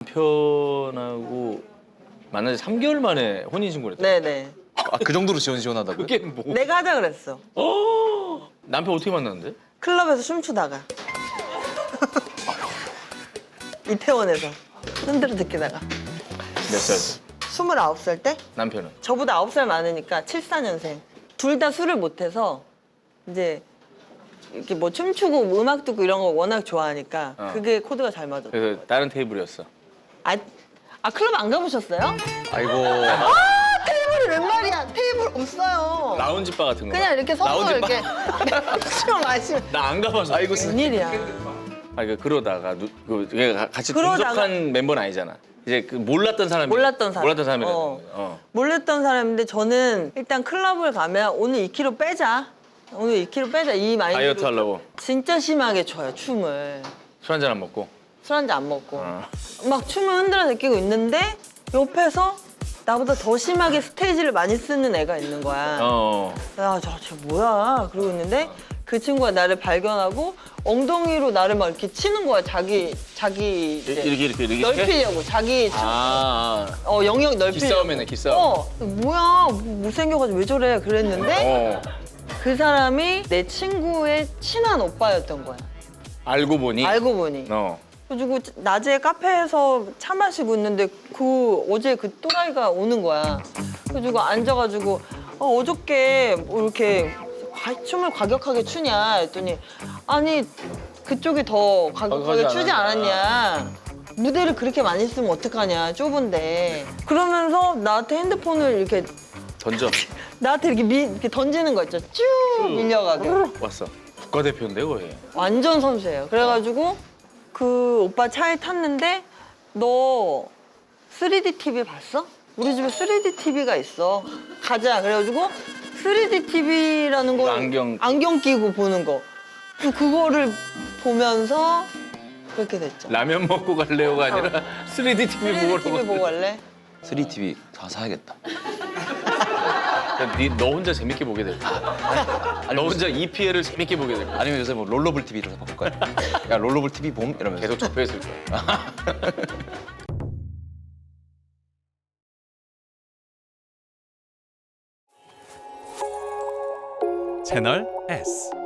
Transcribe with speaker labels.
Speaker 1: 남편하고 만난 지 3개월 만에 혼인신고를 했다.
Speaker 2: 네네.
Speaker 3: 아, 그 정도로 지원하다고요?
Speaker 1: 그게 뭐?
Speaker 2: 내가 하자 그랬어.
Speaker 1: 남편 어떻게 만났는데?
Speaker 2: 클럽에서 춤추다가. 이태원에서 흔들어 듣기다가.
Speaker 1: 몇 살?
Speaker 2: 29살 때?
Speaker 1: 남편은?
Speaker 2: 저보다 9살 많으니까 74년생. 둘 다 술을 못해서 이제 이렇게 뭐 춤추고 음악 듣고 이런 거 워낙 좋아하니까 그게 코드가 잘 맞았어.
Speaker 1: 그래서 다른 테이블이었어.
Speaker 2: 아 클럽 안 가보셨어요?
Speaker 3: 아이고.
Speaker 2: 테이블이 웬 말이야? 테이블 없어요.
Speaker 1: 라운지 바 같은 거.
Speaker 2: 그냥 이렇게 서서
Speaker 1: 라운지
Speaker 2: 이렇게 술 마시면
Speaker 1: 나 안 가봐서.
Speaker 3: 아이고,
Speaker 2: 웬일이야.
Speaker 1: 아니 그러다가 같이
Speaker 2: 그러다가-
Speaker 1: 동석한 멤버는 아니잖아. 이제 그 몰랐던 사람이.
Speaker 2: 몰랐던 사람.
Speaker 1: 몰랐던 사람이라.
Speaker 2: 몰랐던 사람인데 저는 일단 클럽을 가면 오늘 2kg 빼자. 오늘 2kg 빼자 이 마인드로
Speaker 1: 다이어트 하려고
Speaker 2: 진짜 심하게 춰요 춤을.
Speaker 1: 술 한잔 안 먹고.
Speaker 2: 술 한 잔 안 먹고 막 춤을 흔들어 제끼고 있는데 옆에서 나보다 더 심하게 스테이지를 많이 쓰는 애가 있는 거야. 야, 쟤 뭐야? 그러고 있는데 그 친구가 나를 발견하고 엉덩이로 나를 막 이렇게 치는 거야. 자기 이제
Speaker 1: 이렇게
Speaker 2: 넓히려고 자기 영역 넓히려고.
Speaker 1: 기싸움이네, 기싸움.
Speaker 2: 뭐야? 못생겨가지고 왜 저래? 그랬는데 그 사람이 내 친구의 친한 오빠였던 거야.
Speaker 1: 알고 보니.
Speaker 2: 알고 보니. 그래가지고 낮에 카페에서 차 마시고 있는데 어제 그 또라이가 오는 거야. 그래가지고 앉아가지고 어저께 뭐 이렇게 춤을 과격하게 추냐 했더니 아니 그쪽이 더 과격하게 추지 않았냐. 무대를 그렇게 많이 쓰면 어떡하냐 좁은데. 그러면서 나한테 핸드폰을 이렇게
Speaker 1: 던져.
Speaker 2: 나한테 이렇게 던지는 거 있죠. 쭉 밀려가게.
Speaker 1: 왔어. 국가대표인데 거의.
Speaker 2: 완전 선수예요. 그래가지고 그 오빠 차에 탔는데 너 3D TV 봤어? 우리 집에 3D TV가 있어. 가자. 그래가지고 3D TV라는 걸 안경 끼고 보는 거. 그거를 보면서 그렇게 됐죠.
Speaker 1: 라면 먹고 갈래요가 아니라 3D TV
Speaker 2: 3D TV 보고 갈래?
Speaker 3: 3TV 다 사야겠다.
Speaker 1: 너 혼자 재밌게 보게 될 거야. 너 혼자 EPL을 재밌게 보게 될 거야.
Speaker 3: 아니면 요새 뭐 롤러블 TV로 바꿀까요? 야 롤러블 TV 봄 이러면서.
Speaker 1: 계속 접해있을 거야.
Speaker 4: 채널 S